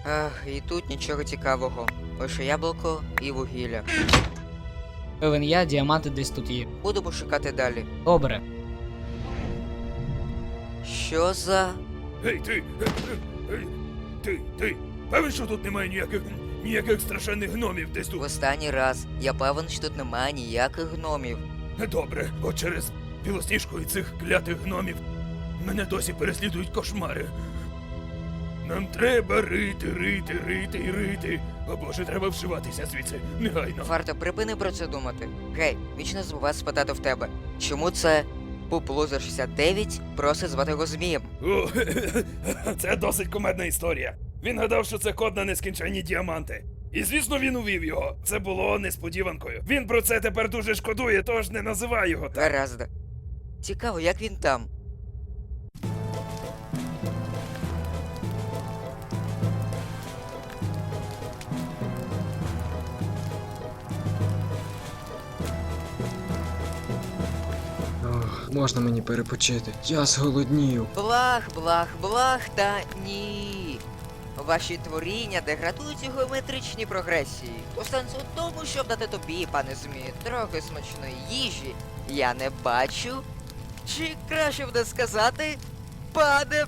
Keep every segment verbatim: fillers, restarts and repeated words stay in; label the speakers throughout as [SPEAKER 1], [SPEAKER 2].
[SPEAKER 1] Ах, і тут нічого цікавого. Лише яблуко і вугілля.
[SPEAKER 2] Певен я, діаманти десь тут є.
[SPEAKER 1] Будемо шукати далі.
[SPEAKER 2] Добре.
[SPEAKER 1] Що за...
[SPEAKER 3] Гей, ти! Гей, ти, ти! Певен, що тут немає ніяких ніяких страшенних гномів десь
[SPEAKER 1] В
[SPEAKER 3] тут?
[SPEAKER 1] останній раз. Я певен, що тут немає ніяких гномів.
[SPEAKER 3] Добре, от через білосніжку і цих клятих гномів мене досі переслідують кошмари. Нам треба рити, рити, рити і рити. О боже, треба вшиватися звідси, негайно.
[SPEAKER 1] Варто, припини про це думати. Гей, вічно забуваю спитати в тебе. Чому це Пуплуза шістдесят дев'ять просить звати його Змієм?
[SPEAKER 3] О, це досить кумедна історія. Він гадав, що це код на нескінченні діаманти. І звісно, він увів його. Це було несподіванкою. Він про це тепер дуже шкодує, тож не називай його так.
[SPEAKER 1] Гаразд. Цікаво, як він там.
[SPEAKER 4] Ох, можна мені перепочити? Я зголоднів.
[SPEAKER 1] Блах, блах, блах та ні. Ваші творіння деградують у геометричній прогресії. У сенс у тому, щоб дати тобі, пане Змі, трохи смачної їжі, я не бачу. Чи краще буде сказати, пане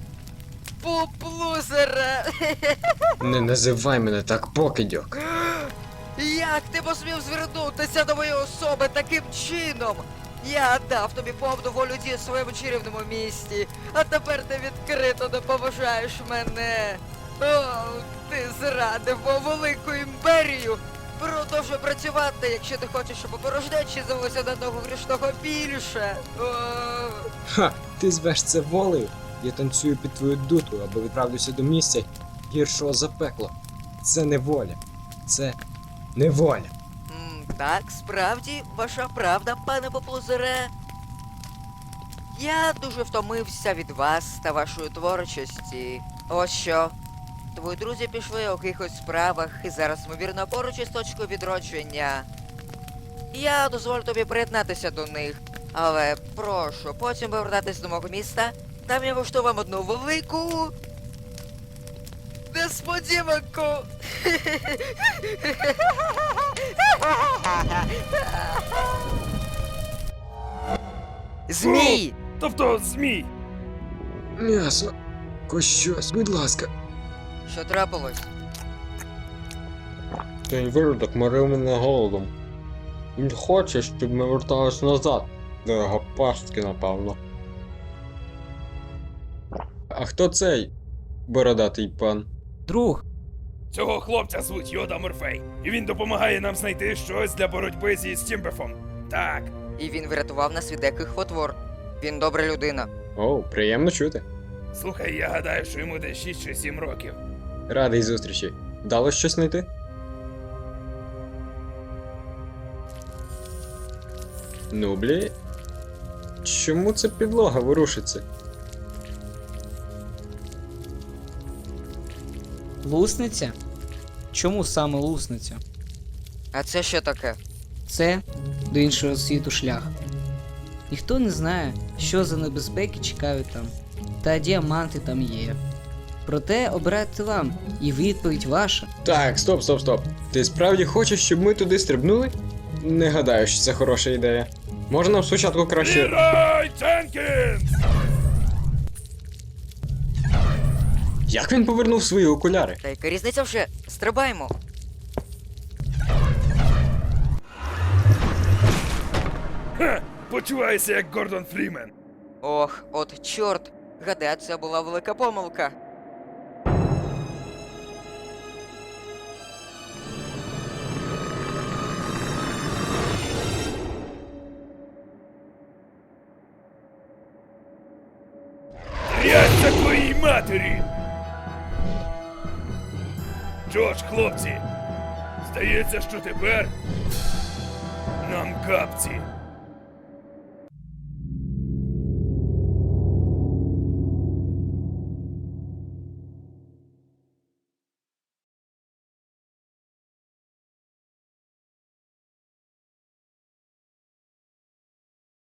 [SPEAKER 1] Пуплузере?
[SPEAKER 4] Не називай мене так, покидьок.
[SPEAKER 1] Як ти посмів звернутися до моєї особи таким чином? Я дав тобі повну волю дій у своєму чарівному місті, а тепер ти відкрито не поважаєш мене. О, ти зрадив мою велику імперію. Продовжуй працювати, якщо ти хочеш, щоб у порожнечі з'явилося на одного грішного більше. О.
[SPEAKER 4] Ха, ти звеш це волею? Я танцюю під твою дуту, або відправлюся до місця гіршого за пекло. Це не воля. Це неволя.
[SPEAKER 1] М, Так, справді, ваша правда, пане Поплузере. Я дуже втомився від вас та вашої творчості. Ось що. Твої друзі пішли у якихось справах і зараз, ймовірно, поруч із точкою відродження. Я дозволю тобі приєднатися до них, але прошу, потім повертатись до мого міста. Там я влаштую вам одну велику... несподіванку. Змій!
[SPEAKER 3] Тобто, змій!
[SPEAKER 4] М'ясо. Хоч щось, будь ласка.
[SPEAKER 1] Що трапилось?
[SPEAKER 4] Цей виродок морив мене голодом. Він хоче, щоб ми вертались назад. До його пастки, напевно. А хто цей бородатий пан?
[SPEAKER 2] Друг,
[SPEAKER 3] Цього хлопця звуть Йода Морфей, і він допомагає нам знайти щось для боротьби зі Стімбефом. Так.
[SPEAKER 1] І він врятував нас від деяких потвор. Він добра людина.
[SPEAKER 4] О, приємно чути.
[SPEAKER 3] Слухай, я гадаю, що йому десь шість чи сім років.
[SPEAKER 4] Радий зустрічі. Вдалося щось знайти? Ну, блі. Чому ця підлога ворушиться?
[SPEAKER 2] лусниця? Чому саме лусниця?
[SPEAKER 1] А це що таке?
[SPEAKER 2] Це до іншого світу шлях. Ніхто не знає, що за небезпеки чекають там, та діаманти там є. Проте обирайте вам, і відповідь ваша.
[SPEAKER 4] Так, стоп, стоп, стоп. Ти справді хочеш, щоб ми туди стрибнули? Не гадаю, що це хороша ідея. Може нам спочатку краще.
[SPEAKER 3] Лірай Дженкінс!
[SPEAKER 4] Як він повернув свої окуляри?
[SPEAKER 1] Та яка різниця вже? Стрибаємо.
[SPEAKER 3] Ха! Почуваюся як Гордон Фрімен.
[SPEAKER 1] Ох, от чорт. Гадаю, це була велика помилка.
[SPEAKER 3] Трясся твоїй матері! Що ж, хлопці, здається, що тепер нам капці.